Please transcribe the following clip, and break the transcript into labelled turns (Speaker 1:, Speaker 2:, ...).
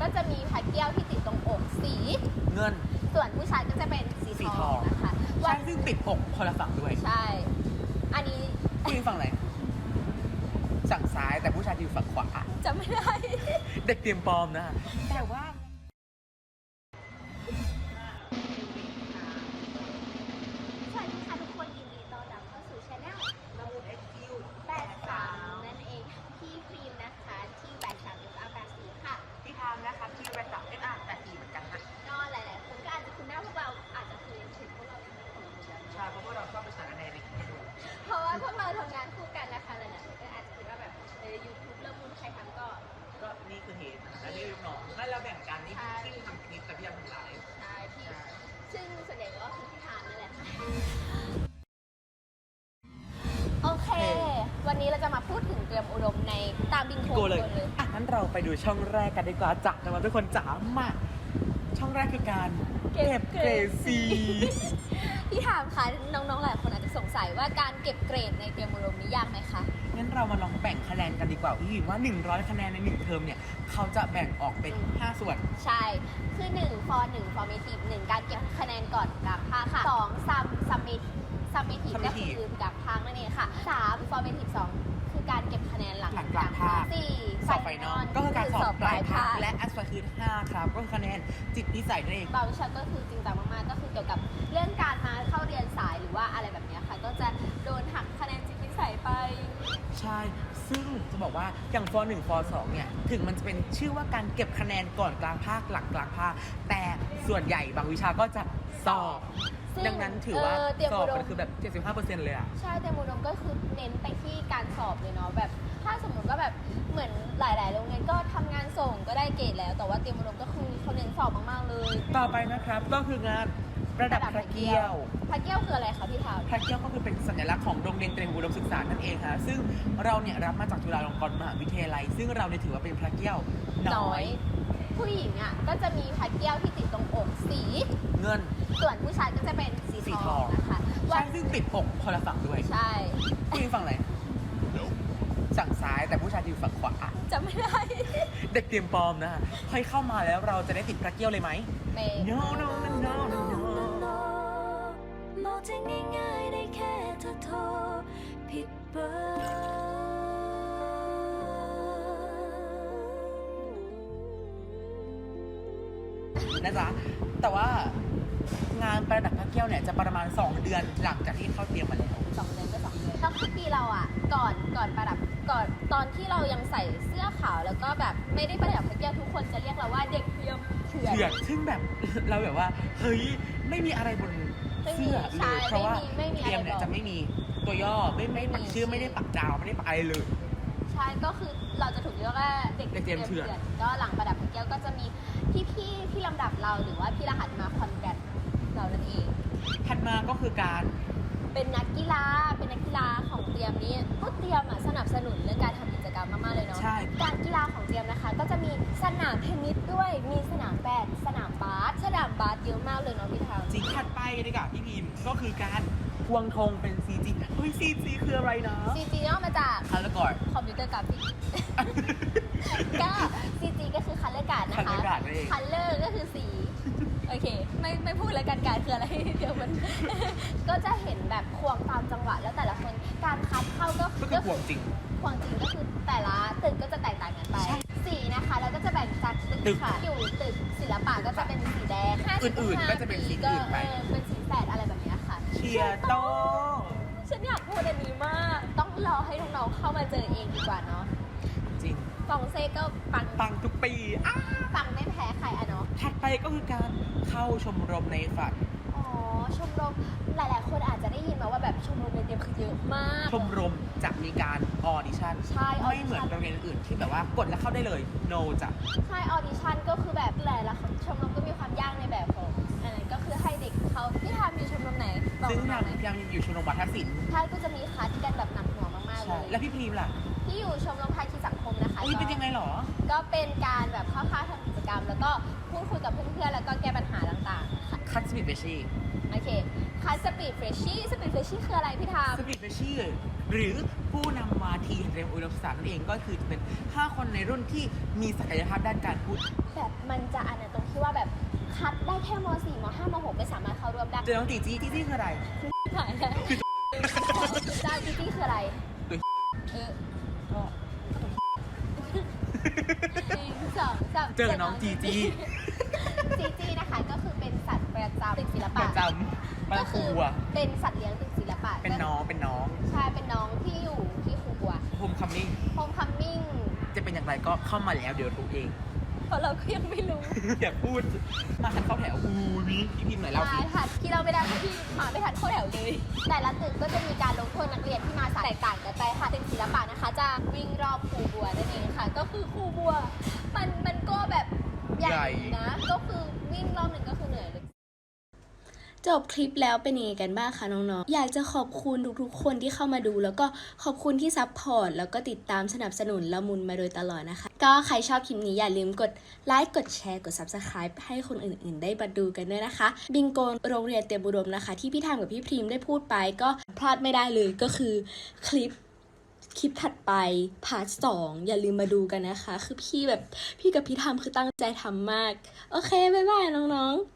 Speaker 1: ก็จะมีพัดเกี้ยวที่ติดตรงอกสี
Speaker 2: เงิน
Speaker 1: ส่วนผู้ชายก็จะเป็นสีทองนะคะ
Speaker 2: ใช่ซึ่งติดอกคนละฝั่งด้วย
Speaker 1: ใช่อันนี้
Speaker 2: ผู้หญิงฝั่งไหนฝั่งซ้ายแต่ผู้ชายอยู่ฝั่งขวา
Speaker 1: จะไม่ได้
Speaker 2: เด็กเตรียมปลอมนะแต่ว่า
Speaker 1: สวัสดีค่ะทุกคนยินดีต้อนรับเข้าสู่ช anel
Speaker 2: เรา
Speaker 1: 83นั่นเองพี่ครีมนะคะที่83 ค่ะ
Speaker 2: ที่ทำนะคะที่แบ3 SR84เหมือนกันนะ
Speaker 1: ก็หลายๆคนก็อาจจะคุ้นหน้าพวกเราอาจจะเคยเห็นพวกเราในคลิป
Speaker 2: ใช่เพราะว่าเราชอบไปสารในคลิปดู
Speaker 1: เพราะว่าพวกเราทำงานคู่กันนะคะหลายๆคนก็อาจจะคิดว่าแบบYouTube เริ่มมุนใครทำก็
Speaker 2: นี่คือเหตุและนี่ลูกน้องงั้นเราแบ่งกันนี่ที่ทำคลิปแต่พี่ยังทำไลฟ์
Speaker 1: ใช่พี่ซึ่งส่วนใหญ่ก็คือที่ทานนั่นแหละค่ะโอเควันนี้เราจะมาพูดถึงเตรียมอุดมในตามบิงโกเลย
Speaker 2: งั้นเราไปดูช่องแรกกันดีกว่าจ๋านะทุกคนจ๋ามาช่องแรกคือการเก็บเกรดซี
Speaker 1: พี่ถามค่ะน้องๆหลายคนอาจจะสงสัยว่าการเก็บเกรดในเตรียมอุดมนี้ยากไหมคะ
Speaker 2: งั้นเรามาลองแบ่งคะแนนกันดีกว่าพี่ว่า100คะแนนใน1เทอมเนี่ยเขาจะแบ่งออกเป็น5ส่วน
Speaker 1: ใช่คือ1 formative 1การเก็บคะแนนก่อนกลางภาคค่ะ2 summative ก็คือกลางภาคนั่นเองค่ะ3 formative 2คือการเก็บคะแนนหลังกลางภาค4
Speaker 2: สอบไฟนอลก็คือการสอบปลายภาคและอัสฟาคือ5ครับก็คือคะแนนจิตนิสัยนั่นเอง
Speaker 1: บางวิชาก็คือจริงจังมากๆก็คือเกี่ยวกับเรื่องการมาเข้าเรียนสายหรือว่าอะไรแบบนี้ค่ะก็จะโดนหักคะแนนจิตนิสัยไป
Speaker 2: ใช่ซึ่งจะบอกว่าอย่างฟ1ฟ2เนี่ยถึงมันจะเป็นชื่อว่าการเก็บคะแนนก่อนกลางภาคหลังกลางภาคแต่ส่วนใหญ่บางวิชาก็จะสอบดังนั้นถือว่าสอบมันคือแบบ 75% เลยอะ
Speaker 1: ใช่เตรียมอุดมก็คือเน้นไปที่การสอบเลยเนาะแบบถ้าสมมติว่าแบบเหมือนหลายๆโรงเรียนก็ทำงานส่งก็ได้เกรดแล้วแต่ว่าเตรียมอุดมก็คือเขาเน้นสอบมากๆเลย
Speaker 2: ต่อไปนะครับก็คืองานประดับพระเกี้ยว
Speaker 1: พระเกี้ยวคืออะไรคะพี่ทาว
Speaker 2: พระเกี้ยวก็คือเป็นสัญลักษณ์ของโรงเรียนเตรียมอุดมศึกษานั่นเองค่ะซึ่งเราเนี่ยรับมาจากจุฬาลงกรณ์มหาวิทยาลัยซึ่งเราเนี่ยถือว่าเป็นพระเกี้ยวน้อย
Speaker 1: ผู้หญิงอ่ะก็จะมีพระเกี้ยวที่ติดตรงอกสี
Speaker 2: เงิน
Speaker 1: ส่วนผู้ชายก็จะเป็นสีทองนะคะ
Speaker 2: ใช่ซึ่งติดอกคนละฝั่งด้วย
Speaker 1: ใช่
Speaker 2: ผู้หญิงฝั่งไหนฝั่งซ้ายแต่ผู้ชายอยู่ฝั่งขวา
Speaker 1: จะไม่ได้
Speaker 2: เด็กเตรียมปลอมนะค่อยเข้ามาแล้วเราจะได้ติดพระเกี้ยวเลยไหม
Speaker 1: No
Speaker 2: no no no no
Speaker 3: มองจะง่ายๆได้แค่เธอโทรผิดเบอร์
Speaker 2: นะจ๊ะแต่ว่างานประดับพระเกี้ยวเนี่ยจะประมาณ2เดือนหลังจากที่เข้าเตรียมมาแล้ว
Speaker 1: 2 เดือนก็2 เดือนแล้วคือปีเราอ่ะก่อนประดับก่อนตอนที่เรายังใส่เสื้อขาวแล้วก็แบบไม่ได้ประดับพระเกี้ยวทุกคนจะเรียกเราว่าเด็กเตรียมเถื่อน
Speaker 2: ซึ่งแบบเราแบบว่าเฮ้ยไม่มีอะไรบนเสื้อเลยเพราะว่าเตรียมเนี่ยจะไม่มีตัวย่อไม่ปักชื่อไม่ได้ปักดาวไม่ได้ปักอะไรเลย
Speaker 1: ใช่ก็คือเราจะถูกเรียกว่าเด็ก
Speaker 2: เตรียมเถื่อน
Speaker 1: ก็หลังประดับพระเกี้ยวก็จะมีพี่ที่ลำดับเราหรือว่าพี่รหัสมาคอนแกรตเรานั่นเอง
Speaker 2: ถัดมาก็คือการ
Speaker 1: เป็นนักกีฬาของเตรียมนี้ก็เตรียมสนับสนุนเรื่องการทำกิจกรรมมากๆเลยเนาะการกีฬาของเตรียมนะคะก็จะมีสนามเทนนิสด้วยมีสนามแบดสนามบาสเยอะมากเลยเนาะพี่ทาว
Speaker 2: จริงถัดไปดีกว่าพี่พิมก็คือการควงธงเป็น CG เฮ้ย CG คืออะไรนะ
Speaker 1: CG ย่อมาจาก
Speaker 2: Color
Speaker 1: คอมพิวเตอร์กราฟิกก็ CG ก็คือ Color Guard นะคะ Color ก็คือสีโอเคไม่พูดแล้วกันการคืออะไรเดี๋ยวมันก็จะเห็นแบบควงตามจังหวะแล้วแต่ละคนการคัดเข้าก็
Speaker 2: ควงจริง
Speaker 1: ก็คือแต่ละตึกก็จะแตกต่างกันไปสีนะคะแล้วก็จะแบ่งจากตึกค่ะอยู่ตึกศิลปะก็จะเป็นสีแดง
Speaker 2: อื่นๆก็จะเป็นสีอื่นไป
Speaker 1: เป็นสีแสดอะไรแบบนี้ค่ะ
Speaker 2: เชียร์โต
Speaker 1: ฉันอยากพูดอันนี้มากต้องรอให้น้องๆเข้ามาเจอเองดีกว่าเนาะ
Speaker 2: จริง
Speaker 1: ฟองเซ่ก็
Speaker 2: ปังทุกปี
Speaker 1: ปังไม่แพ้ใครอะเนาะ
Speaker 2: ถัดไปก็คือการเข้าชมรมในฝัน
Speaker 1: อ๋อชมรมหลายๆคนอาจจะได้ยินมาว่าแบบชมรมในเตรียมคือเยอะมาก
Speaker 2: ชมรมจะมีการออดิชั่นไม่เหมือนโรงเรียนอื่นที่แบบว่ากดแล้วเข้าได้เลย no จ้ะ
Speaker 1: ใช่ออดิชั่นก็คือแบบหลายๆชมรมก็มีความยากในแบบของอะไรก็คือให้เด็กเขาที่ทำอยู่ชมรมไหน
Speaker 2: ซึ่งยังอยู่ชมรมวัฒนศิลป์
Speaker 1: ใช่ก็จะมีคัดกันแบบหนักหน่วงมากๆเลย
Speaker 2: แล้วพี่พีมล่ะ
Speaker 1: ที่อยู่ชมรมภาคีสังคมนะคะ
Speaker 2: เป็นยังไงหรอ
Speaker 1: ก็เป็นการแบบเข้าค่ายทำกิจกรรมแล้วก็พูดคุยกับเพื่อนๆแล้วก็แก้ปัญหาต่าง
Speaker 2: ๆคัดสปีดเฟชชี่
Speaker 1: โอเคคัดสปีดเฟชชี่คืออะไรพี่ทาม
Speaker 2: สปีดเฟชชี่หรือผู้นำมาทีเตรียมอุดมศึกษานั่นเองก็คือจะเป็น5คนในรุ่นที่มีศักยภาพด้านการพูด
Speaker 1: แบบเพมันจะอันนั้นตรงที่ว่าแบบคัดได้แค่ม .4 ม .5 ม .6 ไม่สามารถเข้าร่วมได้
Speaker 2: เจอน้องจีจี้จีจี้คืออะไร
Speaker 1: หายแล้วจ้าจีจี้คืออะไรเออหนึ่งสองสาม
Speaker 2: เจอน้องจีจี้
Speaker 1: จีจี้นะคะก็คือเป็นสัตว์ประจำตึกศิล
Speaker 2: ป
Speaker 1: ปะ
Speaker 2: ระจำบ้านครูบัว
Speaker 1: เป็นสัตว์เลี้ยงตึกศิลปะ
Speaker 2: เป็นน้อง
Speaker 1: ใช่เป็นน้องที่อยู่ที่ครูบัว
Speaker 2: โฮมคัมมิ่ง
Speaker 1: โฮมคัมมิ่ง
Speaker 2: จะเป็นอย่างไรก็เข้ามาแล้วเดี๋ยวรู้เอง
Speaker 1: เพราะเราก็ยังไม่รู้
Speaker 2: อย่าพูด มาทันเข้าแถววิพี่พิมพ์หน่อยเล่าสิ
Speaker 1: มาทันที่เราไม่ได้เพราะที่มาไม่ทันเข้าแถวเลย แต่ละตึกก็จะมีการลงโทษนักเรียนที่มาสายแตกต่างกันไปค่ะตึกศิลปะนะคะ จะวิ่งรอบครูบัวนั่นเองค่ะ ก็คือครูบัว มันก็แบบใหญ่นะ ก็คือวิ่งรอบหนึ่งก็คือเหนื่อยเลย
Speaker 4: จบคลิปแล้วเป็นยังไงกันบ้างคะน้องๆ อยากจะขอบคุณทุกๆคนที่เข้ามาดู แล้วก็ขอบคุณที่ซัพพอร์ตแล้วก็ติดตามสนับสนุนละมุนมาโดยตลอดนะคะ ก็ใครชอบคลิปนี้อย่าลืมกดไลค์กดแชร์กด Subscribe ให้คนอื่นๆได้มาดูกันด้วยนะคะ บิงโกโรงเรียนเตรียมอุดมนะคะ ที่พี่ทามกับพี่พรีมได้พูดไปก็พลาดไม่ได้เลยก็คือคลิปถัดไปพาร์ท 2อย่าลืมมาดูกันนะคะ คือพี่กับพี่ทามคือตั้งใจทำมากโอเคบ๊ายบายน้องๆ